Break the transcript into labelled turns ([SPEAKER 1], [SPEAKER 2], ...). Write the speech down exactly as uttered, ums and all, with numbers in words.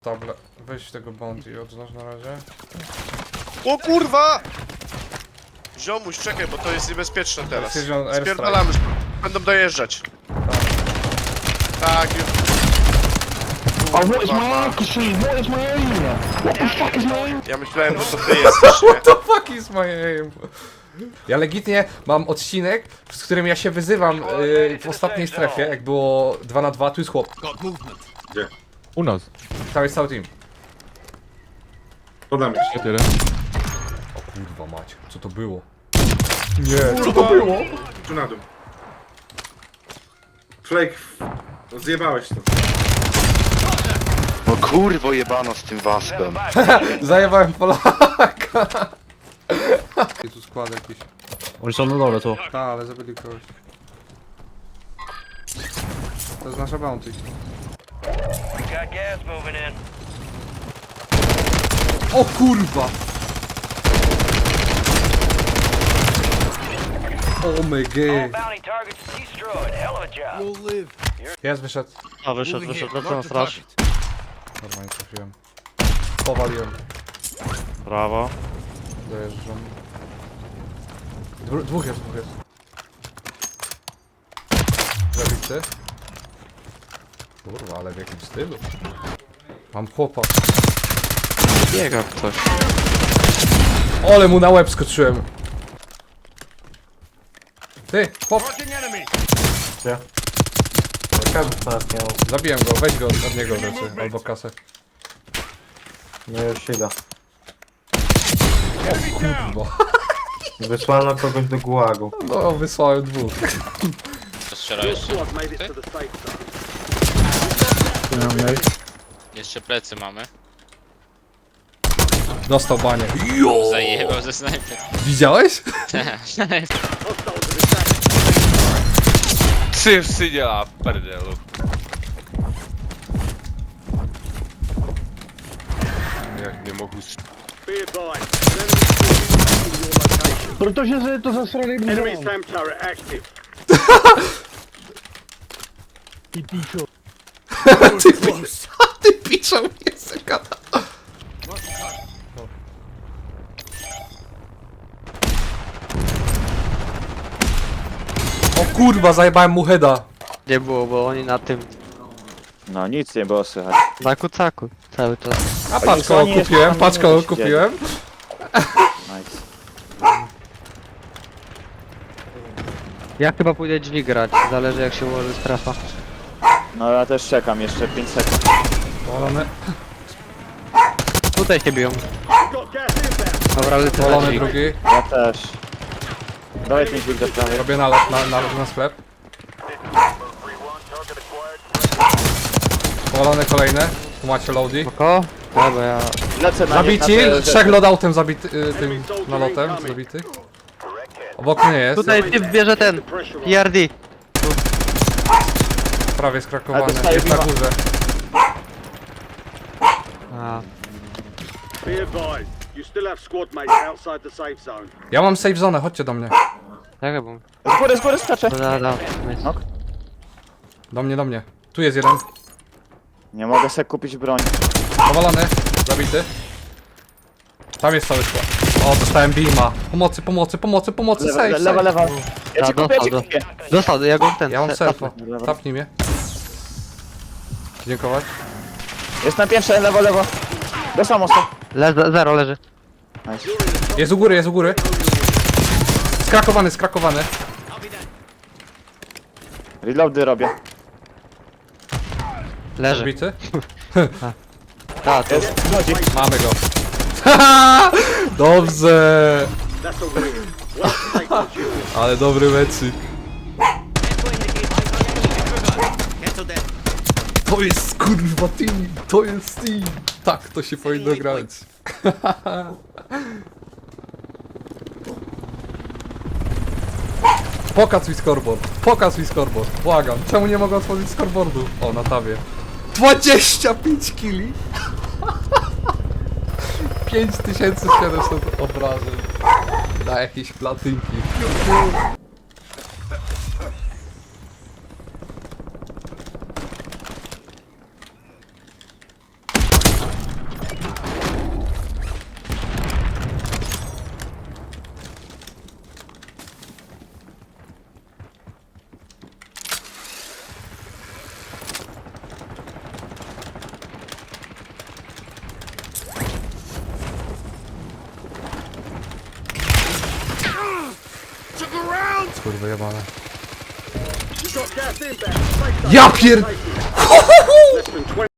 [SPEAKER 1] Dobra, weź tego bounty i odznacz na razie.
[SPEAKER 2] O kurwa! Ziomuś, czekaj, bo to jest niebezpieczne teraz.
[SPEAKER 1] Jest ziom- airstrike.
[SPEAKER 2] Spierdalamy, będą dojeżdżać. Tak, już.
[SPEAKER 3] Oh, what is my accuracy? What is my aim? What the fuck is my aim?
[SPEAKER 2] Ja myślałem, że to ty jesteś, nie?
[SPEAKER 1] What the fuck is my aim? Ja legitnie mam odcinek, z którym ja się wyzywam yy, w ostatniej strefie, jak było dwa na dwa, tu jest chłop.
[SPEAKER 4] Gdzie?
[SPEAKER 5] U nas.
[SPEAKER 1] Tam jest cały team.
[SPEAKER 4] Podam się.
[SPEAKER 5] Tyle.
[SPEAKER 1] O kurwa mać, co to było? Nie, co to było?
[SPEAKER 4] Tu na dół. Flake, zjebałeś to.
[SPEAKER 6] No kurwo jebano z tym waspem.
[SPEAKER 1] Zajebałem Polaka. Jest tu skład jakiś.
[SPEAKER 5] Oni są na dole, co?
[SPEAKER 1] Tak, ale zabili kogoś. To jest nasza bounty. O kurwa! O my god! Jest, wyszedł.
[SPEAKER 5] A, wyszedł, wyszedł, lecę na straż.
[SPEAKER 1] Normalnie trafiłem. Powaliłem.
[SPEAKER 5] Brawo.
[SPEAKER 1] Dojeżdżam. Dwu, dwóch jest, dwóch jest. Zabity. Kurwa, ale w jakim stylu? Mam chłopa.
[SPEAKER 6] Biega ktoś.
[SPEAKER 1] Ole mu na łeb skoczyłem. Ty, chłop.
[SPEAKER 3] Gdzie?
[SPEAKER 1] Zabiłem go, weź go od niego rzeczy, albo kasę.
[SPEAKER 3] No już idę.
[SPEAKER 1] Kurwa.
[SPEAKER 3] Wysłano kogoś do gułagu.
[SPEAKER 1] No, wysłałem dwóch.
[SPEAKER 7] Strzela jeszcze. Jeszcze plecy mamy.
[SPEAKER 1] Dostał banie.
[SPEAKER 7] Zajebał ze snajpy.
[SPEAKER 1] Widziałeś?
[SPEAKER 8] Ty w synie, a perdelu. Jak nie mogł s-
[SPEAKER 3] Protože se to zasrali
[SPEAKER 9] Enemy SAM turret active.
[SPEAKER 3] Ty píčo.
[SPEAKER 1] Ty, pisz, ty piszą mnie sekada. O kurwa, zajebałem mu heada.
[SPEAKER 10] Nie było, bo oni na tym,
[SPEAKER 6] No nic nie było słychać.
[SPEAKER 10] na kucaku cały czas.
[SPEAKER 1] A patrz kogo
[SPEAKER 6] oni
[SPEAKER 1] kupiłem,
[SPEAKER 6] jeszcze
[SPEAKER 1] patrz
[SPEAKER 6] tam
[SPEAKER 1] kogo
[SPEAKER 6] minuty
[SPEAKER 1] kupiłem.
[SPEAKER 6] Nice.
[SPEAKER 10] Ja chyba pójdę drzwi grać, zależy jak się ułoży strefa.
[SPEAKER 6] No ja też czekam jeszcze pięć sekund.
[SPEAKER 1] Powalony,
[SPEAKER 10] Tutaj się biją.
[SPEAKER 9] Got gas inbound.
[SPEAKER 10] Dobra, lecę na
[SPEAKER 1] powalony
[SPEAKER 10] drzwi.
[SPEAKER 1] drugi.
[SPEAKER 6] Ja też. Dawaj ten dźwig do prawej.
[SPEAKER 1] Robię nalot na, na, na sklep. Powalone kolejne. Tu macie loady.
[SPEAKER 10] Oko? Dobra, ja...
[SPEAKER 6] Lecę na
[SPEAKER 1] Zabici,
[SPEAKER 6] nie- na te-
[SPEAKER 1] trzech loadoutem zabity, y, tym nalotem zabitych. Obok mnie jest,
[SPEAKER 10] Tutaj typ bierze ten, P R D.
[SPEAKER 1] prawie skrakowany,
[SPEAKER 6] Ale dostaję
[SPEAKER 1] jest na
[SPEAKER 6] biwa.
[SPEAKER 1] górze.
[SPEAKER 10] A,
[SPEAKER 9] Be advised, you still have squad mates outside the safe zone.
[SPEAKER 1] Ja mam save zone, chodźcie do mnie.
[SPEAKER 10] tak bo...
[SPEAKER 6] Z góry, z góry skaczę.
[SPEAKER 10] Da, da,
[SPEAKER 6] No.
[SPEAKER 1] Do mnie, do mnie. Tu jest jeden.
[SPEAKER 6] Nie mogę sobie kupić broń.
[SPEAKER 1] Powalony, zabity. Tam jest cały skład. O, dostałem beama. Pomocy, pomocy, pomocy, pomocy,
[SPEAKER 6] Lewa,
[SPEAKER 1] save,
[SPEAKER 6] lewa,
[SPEAKER 1] save.
[SPEAKER 6] lewa. Ja ci
[SPEAKER 10] Da,
[SPEAKER 6] kupię, ja ci
[SPEAKER 10] dostał,
[SPEAKER 6] kupię.
[SPEAKER 10] Dostał, ja go ten...
[SPEAKER 1] Ja mam
[SPEAKER 10] se-
[SPEAKER 1] selfa.
[SPEAKER 6] Dobra.
[SPEAKER 1] Tapnij mnie. Dziękować.
[SPEAKER 6] Jest na pierwsze, lewo, lewo. Dostał mocno.
[SPEAKER 10] Le zero leży.
[SPEAKER 6] Nice.
[SPEAKER 1] Jest u góry, jest u góry. Skrakowany, skrakowany.
[SPEAKER 6] Reloady robię.
[SPEAKER 10] Leży.
[SPEAKER 1] Zabity.
[SPEAKER 10] Da, to...
[SPEAKER 6] Jest, chodzi.
[SPEAKER 1] Mamy go. Dobrze.
[SPEAKER 9] That's a win. Well, take the duty.
[SPEAKER 1] Ale dobry meczyk. To jest kurwa team, to jest team. Tak, to się powinno grać. Pokaż mi scoreboard, pokaż mi scoreboard, błagam. Czemu nie mogę otworzyć scoreboardu? O, na tabie. dwadzieścia pięć kili. pięć tysięcy siedemset obrażeń. Na jakieś platynki. Kurwa jebane.
[SPEAKER 9] Got gas inbound. Safe zone.
[SPEAKER 1] Ja pier...
[SPEAKER 9] Less than twenty